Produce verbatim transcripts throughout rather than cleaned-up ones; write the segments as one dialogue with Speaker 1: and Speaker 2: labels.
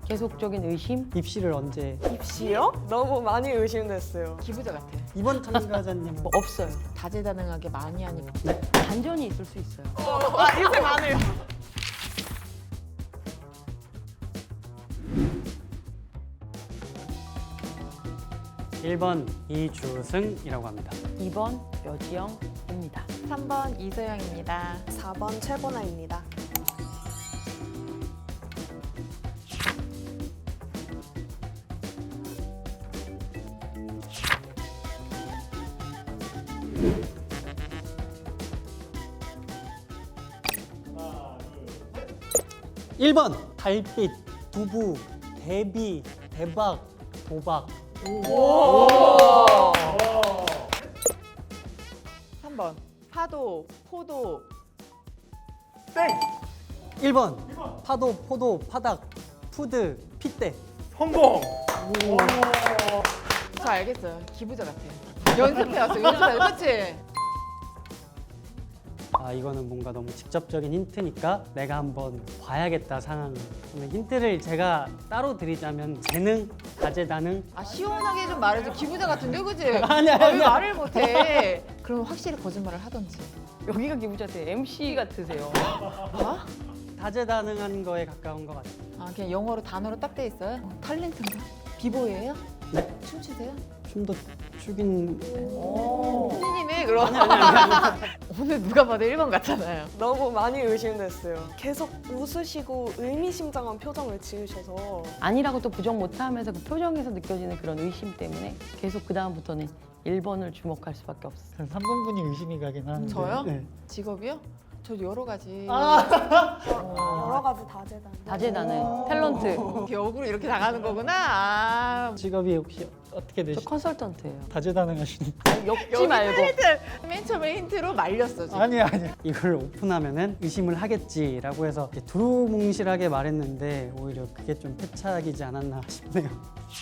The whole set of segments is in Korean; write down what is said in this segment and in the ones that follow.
Speaker 1: 계속적인 의심?
Speaker 2: 입시를 언제?
Speaker 3: 입시요? 너무 많이 의심됐어요.
Speaker 4: 기부자 같아.
Speaker 2: 이번 참가자님은
Speaker 1: 뭐 없어요.
Speaker 4: 다재다능하게 많이 하니까.
Speaker 1: 반전이 있을 수 있어요.
Speaker 3: 아, 인생 많아요.
Speaker 2: 일 번 이주승이라고 합니다.
Speaker 1: 이 번 여지영입니다.
Speaker 4: 삼 번 이소영입니다.
Speaker 3: 사 번 최보나입니다.
Speaker 2: 일 번 달빛, 두부, 대비, 대박, 도박.
Speaker 4: 삼 번 파도, 포도.
Speaker 2: 일 번 파도, 포도, 파닥, 푸드, 핏대.
Speaker 5: 성공!
Speaker 4: 저 알겠어요. 기부자 같아. 연습해왔어. 연습해왔어. 그치?
Speaker 2: 아 이거는 뭔가 너무 직접적인 힌트니까 내가 한번 봐야겠다 상황을. 근데 힌트를 제가 따로 드리자면 재능, 다재다능.
Speaker 4: 아 시원하게 좀 말해줘. 기부자 같은데 그치?
Speaker 2: 아니야,
Speaker 4: 아, 왜
Speaker 2: 아니야.
Speaker 4: 말을 못해? 그럼 확실히 거짓말을 하던지.
Speaker 1: 여기가 기부자한테 엠씨 같으세요.
Speaker 4: 뭐?
Speaker 2: 다재다능한 거에 가까운 것 같아요.
Speaker 4: 아 그냥 영어로 단어로 딱 돼 있어요? 어, 탤런트인가? 비보이예요?
Speaker 2: 네.
Speaker 4: 춤추세요?
Speaker 2: 춤도 추긴.
Speaker 4: 선생님이 그럼 오늘 누가 봐도 일 번 같잖아요.
Speaker 3: 너무 많이 의심됐어요. 계속 웃으시고 의미심장한 표정을 지으셔서
Speaker 1: 아니라고 또 부정 못하면서 그 표정에서 느껴지는 그런 의심 때문에 계속 그 다음부터는 일 번을 주목할 수밖에 없어요.
Speaker 6: 삼 번분이 의심이 가긴 하는데.
Speaker 4: 저요?
Speaker 2: 네.
Speaker 4: 직업이요? 저 여러 가지.
Speaker 3: 여러 가지 다재다능.
Speaker 1: 다재다능, 탤런트.
Speaker 4: 역으로 이렇게 당하는 거구나. 아,
Speaker 2: 직업이 혹시 어떻게
Speaker 1: 저
Speaker 2: 되시죠?
Speaker 1: 컨설턴트예요.
Speaker 6: 다재다능하시는.
Speaker 1: 엮지 말고.
Speaker 4: 맨 처음에 힌트로 말렸어 지금.
Speaker 6: 아니야 아니야.
Speaker 2: 이걸 오픈하면은 의심을 하겠지라고 해서 이렇게 두루뭉실하게 말했는데 오히려 그게 좀 패착이지 않았나 싶네요.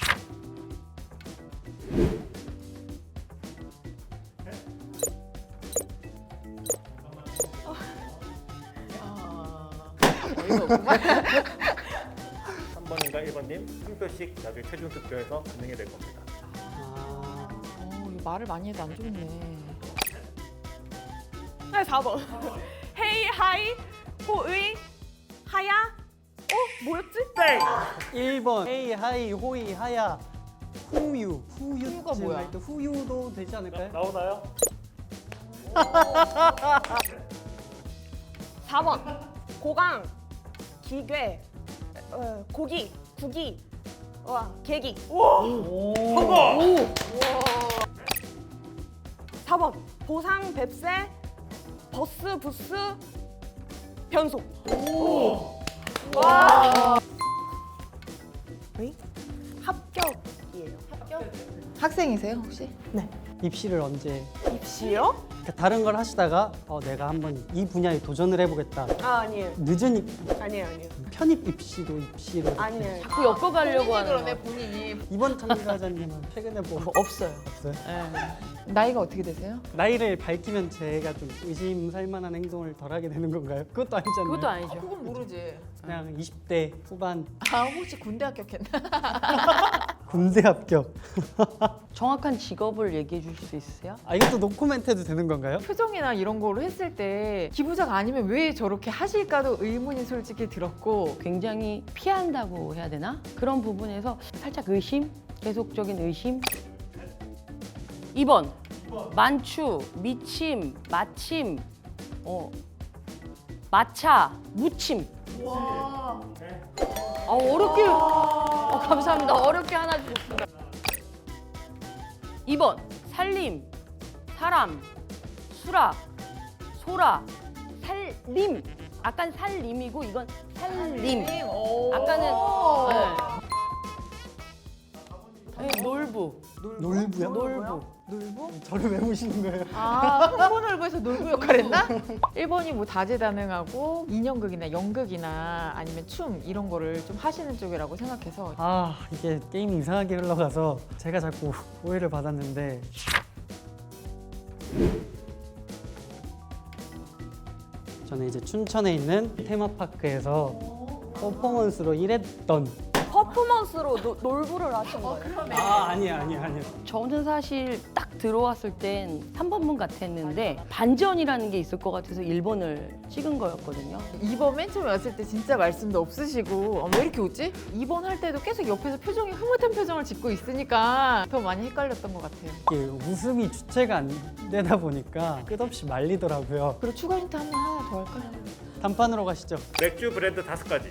Speaker 4: 아, 어이가 없구만.
Speaker 5: 삼 번인가 일 번님 한 표씩 나중에 최종 투표에서 진행이 될 겁니다.
Speaker 2: 아,
Speaker 4: 어, 이거 말을 많이 해도 안 좋네.
Speaker 3: 네, 사 번. 헤이, 하이, 호의, 하야. 어? 뭐였지? 네.
Speaker 2: 일 번 헤이 하이 호이 하야 후유 후유
Speaker 4: 후유가 뭐야?
Speaker 2: 할 때 후유도 되지 않을까요?
Speaker 5: 나오나요?
Speaker 3: 사 번. 고강, 기괴, 어, 고기, 구기, 와, 계기.
Speaker 5: 성공!
Speaker 3: 사 번. 보상, 뱁새, 버스, 부스, 변속. 와. 의? 합격이에요. 합격?
Speaker 4: 학생이세요 혹시?
Speaker 2: 입시를 언제?
Speaker 3: 입시요?
Speaker 2: 그러니까 다른 걸 하시다가 어, 내가 한번 이 분야에 도전을 해보겠다.
Speaker 3: 아, 아니에요.
Speaker 2: 늦은 입,
Speaker 3: 아니에요, 아니에요.
Speaker 2: 편입 입시도 입시로. 이렇게.
Speaker 3: 아니에요.
Speaker 1: 자꾸 엮어가려고
Speaker 4: 본인이
Speaker 1: 하는
Speaker 4: 그러네
Speaker 1: 거.
Speaker 4: 본인이.
Speaker 2: 이번 참가자님은 최근에 뭐
Speaker 1: 뭐 없어요.
Speaker 2: 없어요?
Speaker 4: 나이가 어떻게 되세요?
Speaker 2: 나이를 밝히면 제가 좀 의심살만한 행동을 덜하게 되는 건가요? 그것도 아니잖아요.
Speaker 1: 그것도 아니죠.
Speaker 4: 그건 모르지.
Speaker 2: 그냥 이십 대 후반
Speaker 4: 아 혹시 군대 합격했나?
Speaker 2: 군대 합격.
Speaker 1: 정확한 직업을 얘기해 주실 수 있으세요?
Speaker 2: 아 이것도 노코멘트 해도 되는 건가요?
Speaker 4: 표정이나 이런 거로 했을 때 기부자가 아니면 왜 저렇게 하실까도 의문이 솔직히 들었고.
Speaker 1: 굉장히 피한다고 해야 되나? 그런 부분에서 살짝 의심? 계속적인 의심? 이 번 만추, 미침, 마침, 어, 마차, 무침. 아, 어렵게. 어, 감사합니다. 어렵게 하나 주셨습니다. 이 번 살림, 사람, 수락, 소라, 살림. 아까는 살림이고 이건 살림. 아까는 네. 네, 놀부.
Speaker 2: 놀부요?
Speaker 1: 놀부.
Speaker 4: 놀부?
Speaker 2: 저를 왜 보시는 거예요?
Speaker 4: 아, 홍보놀부에서 놀부 역할 했나? 일 번이 뭐 다재다능하고 인형극이나 연극이나 아니면 춤 이런 거를 좀 하시는 쪽이라고 생각해서.
Speaker 2: 아 이게 게임이 이상하게 흘러가서 제가 자꾸 오해를 받았는데 저는 이제 춘천에 있는 테마파크에서 퍼포먼스로 일했던.
Speaker 3: 퍼포먼스로 노, 놀부를 하신 거예요?
Speaker 2: 아 아니야 아니야 아니야.
Speaker 1: 저는 사실 딱 들어왔을 땐 삼 번분 같았는데 반전이라는 게 있을 것 같아서 일 번을 찍은 거였거든요.
Speaker 4: 이 번 맨 처음에 왔을 때 진짜 말씀도 없으시고 어, 왜 이렇게 웃지? 이 번 할 때도 계속 옆에서 표정이 흐뭇한 표정을 짓고 있으니까 더 많이 헷갈렸던 것 같아요.
Speaker 2: 이게 웃음이 주체가 안 되다 보니까 끝없이 말리더라고요.
Speaker 4: 그리고 추가 힌트 한 번 하나 더 할까요?
Speaker 2: 단판으로 가시죠.
Speaker 5: 맥주 브랜드 다섯 가지.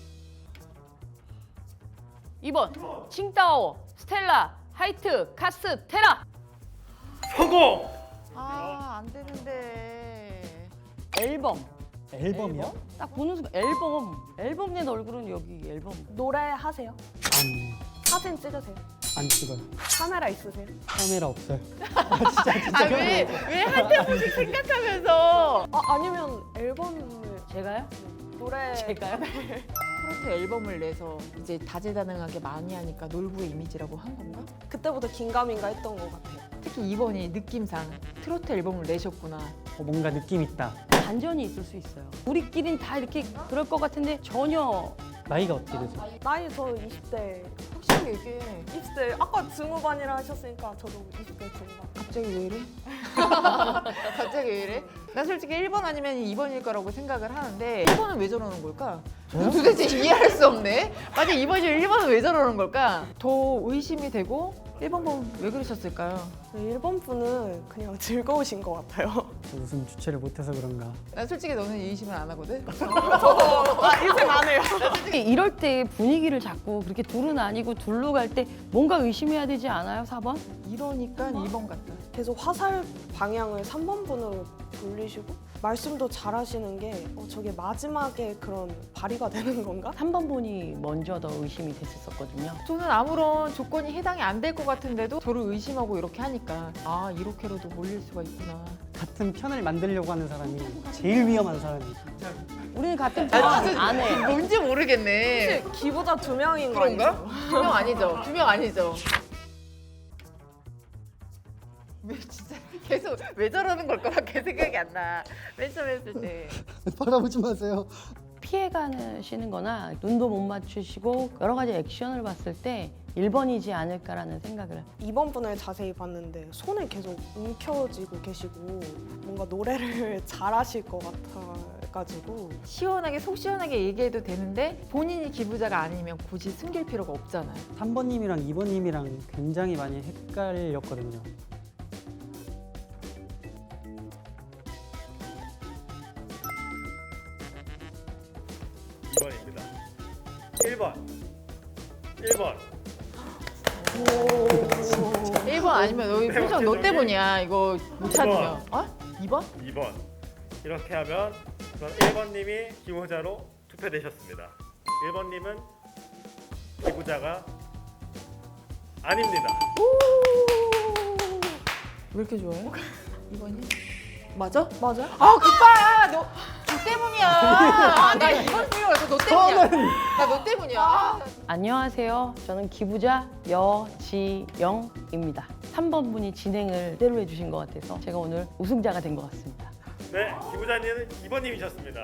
Speaker 1: 이 번 칭따오, 스텔라, 하이트, 카스, 테라.
Speaker 5: 성공!
Speaker 4: 아, 안 되는데.
Speaker 1: 앨범.
Speaker 2: 앨범이요?
Speaker 1: 딱 보는 순간 앨범. 앨범 낸 얼굴은 여기 앨범.
Speaker 3: 노래 하세요?
Speaker 2: 아니
Speaker 3: 사진 찍으세요?
Speaker 2: 안 찍어요.
Speaker 3: 카메라 있으세요?
Speaker 2: 카메라 없어요.
Speaker 4: 아, 왜, 왜 한 테분씩 생각하면서.
Speaker 3: 아, 아니면 앨범을
Speaker 1: 제가요?
Speaker 3: 노래
Speaker 1: 제가요?
Speaker 4: 트로트 앨범을 내서 이제 다재다능하게 많이 하니까 놀부의 이미지라고 한 건가?
Speaker 3: 그때부터 긴가민가 했던 것 같아요.
Speaker 4: 특히 이번이 느낌상 트로트 앨범을 내셨구나.
Speaker 2: 어, 뭔가 느낌 있다.
Speaker 1: 반전이 있을 수 있어요. 우리끼린 다 이렇게 그럴 것 같은데 전혀.
Speaker 2: 나이가 어떻게 되죠?
Speaker 3: 나이 저 이십 대,
Speaker 4: 확실히 얘기해.
Speaker 3: 이십 대 아까 중후반이라 하셨으니까 저도 이십 대 중후반.
Speaker 4: 갑자기 왜 이래? 갑자기 왜 이래? 나 솔직히 일 번 아니면 이 번일 거라고 생각을 하는데 일 번은 왜 저러는 걸까? 도대체 이해할 수 없네. 만약 이 번이면 일 번은 왜 저러는 걸까? 더 의심이 되고 일 번 보면 왜 그러셨을까요?
Speaker 3: 일 번 분은 그냥 즐거우신 것 같아요.
Speaker 2: 저 웃음 주체를 못해서 그런가.
Speaker 4: 난 솔직히 너는 의심을 안 하거든?
Speaker 3: 아, 인생 안 해요.
Speaker 1: 이럴 때 분위기를 자꾸 그렇게 둘은 아니고 둘로 갈 때 뭔가 의심해야 되지 않아요? 사 번?
Speaker 4: 이러니까 이 번 같다.
Speaker 3: 계속 화살 방향을 삼 번 분으로 돌리시고 말씀도 잘하시는 게 어, 저게 마지막에 그런 발휘가 되는 건가?
Speaker 1: 삼 번 분이 먼저 더 의심이 됐었거든요.
Speaker 4: 저는 아무런 조건이 해당이 안 될 것 같은데도 저를 의심하고 이렇게 하니까 아 이렇게라도 몰릴 수가 있구나.
Speaker 2: 같은 편을 만들려고 하는 사람이 제일 위험한 사람이에요.
Speaker 1: 우리는 같은 편 안 해.
Speaker 4: 뭔지 모르겠네.
Speaker 3: 혹시 기부자 두 명인 거
Speaker 4: 그런가?
Speaker 3: 아니죠?
Speaker 4: 두 명 아니죠? 두 명 아니죠? 왜 진짜 계속 왜 저러는 걸까밖에 생각이 안 나. 맨 처음 했을 때.
Speaker 6: 바라보지 마세요.
Speaker 1: 피해가시는 거나 눈도 못 맞추시고 여러 가지 액션을 봤을 때 일 번이지 않을까라는 생각을.
Speaker 3: 이 번 분을 자세히 봤는데 손을 계속 움켜쥐고 계시고 뭔가 노래를 잘하실 것 같아가지고
Speaker 4: 시원하게 속 시원하게 얘기해도 되는데 본인이 기부자가 아니면 굳이 숨길 필요가 없잖아요.
Speaker 2: 삼 번님이랑 이 번님이랑 굉장히 많이 헷갈렸거든요.
Speaker 5: 이 번입니다. 일 번. 일 번.
Speaker 4: 일 번 아니면 너희 표정 너 때문이야. 이거 못 찾으면. 어? 이 번?
Speaker 5: 이 번. 이렇게 하면 우선 일 번님이 기부자로 투표되셨습니다. 일 번님은 기부자가 아닙니다.
Speaker 4: 왜 이렇게 좋아해? 이 번이?
Speaker 3: 맞아? 맞아?
Speaker 4: 아, 그빠! 너, 너 때문이야. 아, 나 이번 생각해서 너 때문이야. 나 너 때문이야.
Speaker 1: 안녕하세요. 저는 기부자 여지영입니다. 삼 번 분이 진행을 제대로 해주신 것 같아서 제가 오늘 우승자가 된 것 같습니다.
Speaker 5: 네, 기부자님은 이 번님이셨습니다.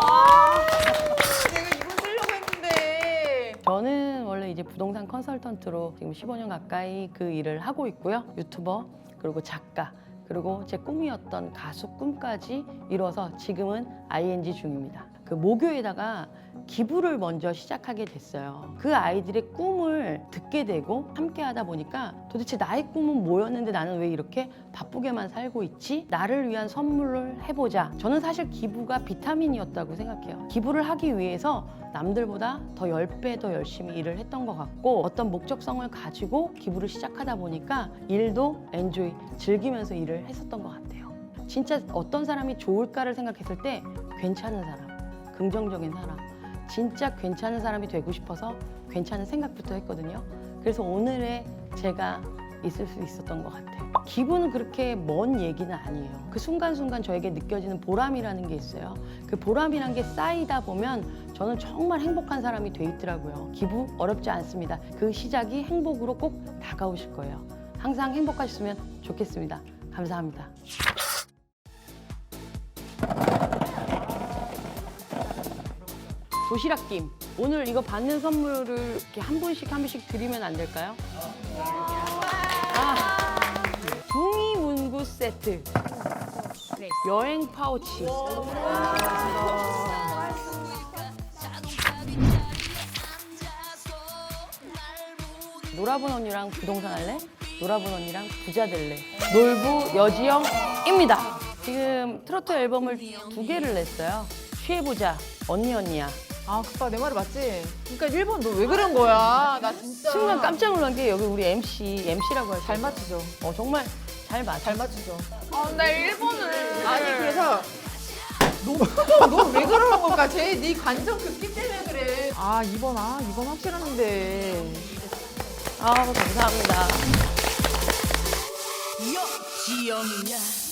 Speaker 4: 내가 이번 쓰려고 했는데.
Speaker 1: 저는 원래 이제 부동산 컨설턴트로 지금 십오 년 가까이 그 일을 하고 있고요. 유튜버 그리고 작가 그리고 제 꿈이었던 가수 꿈까지 이뤄서 지금은 아이엔지 중입니다. 그 모교에다가 기부를 먼저 시작하게 됐어요. 그 아이들의 꿈을 듣게 되고 함께 하다 보니까 도대체 나의 꿈은 뭐였는데 나는 왜 이렇게 바쁘게만 살고 있지? 나를 위한 선물을 해보자. 저는 사실 기부가 비타민이었다고 생각해요. 기부를 하기 위해서 남들보다 더 십 배 더 열심히 일을 했던 것 같고 어떤 목적성을 가지고 기부를 시작하다 보니까 일도 엔조이, 즐기면서 일을 했었던 것 같아요. 진짜 어떤 사람이 좋을까를 생각했을 때 괜찮은 사람, 긍정적인 사람, 진짜 괜찮은 사람이 되고 싶어서 괜찮은 생각부터 했거든요. 그래서 오늘의 제가 있을 수 있었던 것 같아요. 기부는 그렇게 먼 얘기는 아니에요. 그 순간순간 저에게 느껴지는 보람이라는 게 있어요. 그 보람이란 게 쌓이다 보면 저는 정말 행복한 사람이 돼 있더라고요. 기부 어렵지 않습니다. 그 시작이 행복으로 꼭 다가오실 거예요. 항상 행복하셨으면 좋겠습니다. 감사합니다. 도시락김. 오늘 이거 받는 선물을 이렇게 한 분씩 한 분씩 드리면 안 될까요? 아, 붕이 문구 세트, 여행 파우치. 놀아본 언니랑 부동산 할래? 놀아본 언니랑 부자 될래? 놀부 여지영입니다. 지금 트로트 앨범을 두 개를 냈어요. 취해보자, 언니 언니야.
Speaker 4: 아, 그빠 내 말이 맞지? 그러니까 일 번 너 왜 그런 거야? 나 진짜
Speaker 1: 순간 깜짝 놀란 게 여기 우리 엠씨, 엠씨라고 하죠.
Speaker 4: 잘 맞추죠.
Speaker 1: 어, 정말 잘 맞아.
Speaker 4: 잘 맞추죠.
Speaker 7: 아, 나 일 번을.
Speaker 4: 아니 그래서 너 왜 그러는 걸까? 쟤 네 관전 급기 때문에 그래. 아 이번 아 이번 확실한데.
Speaker 1: 아, 감사합니다.
Speaker 8: 여지영이야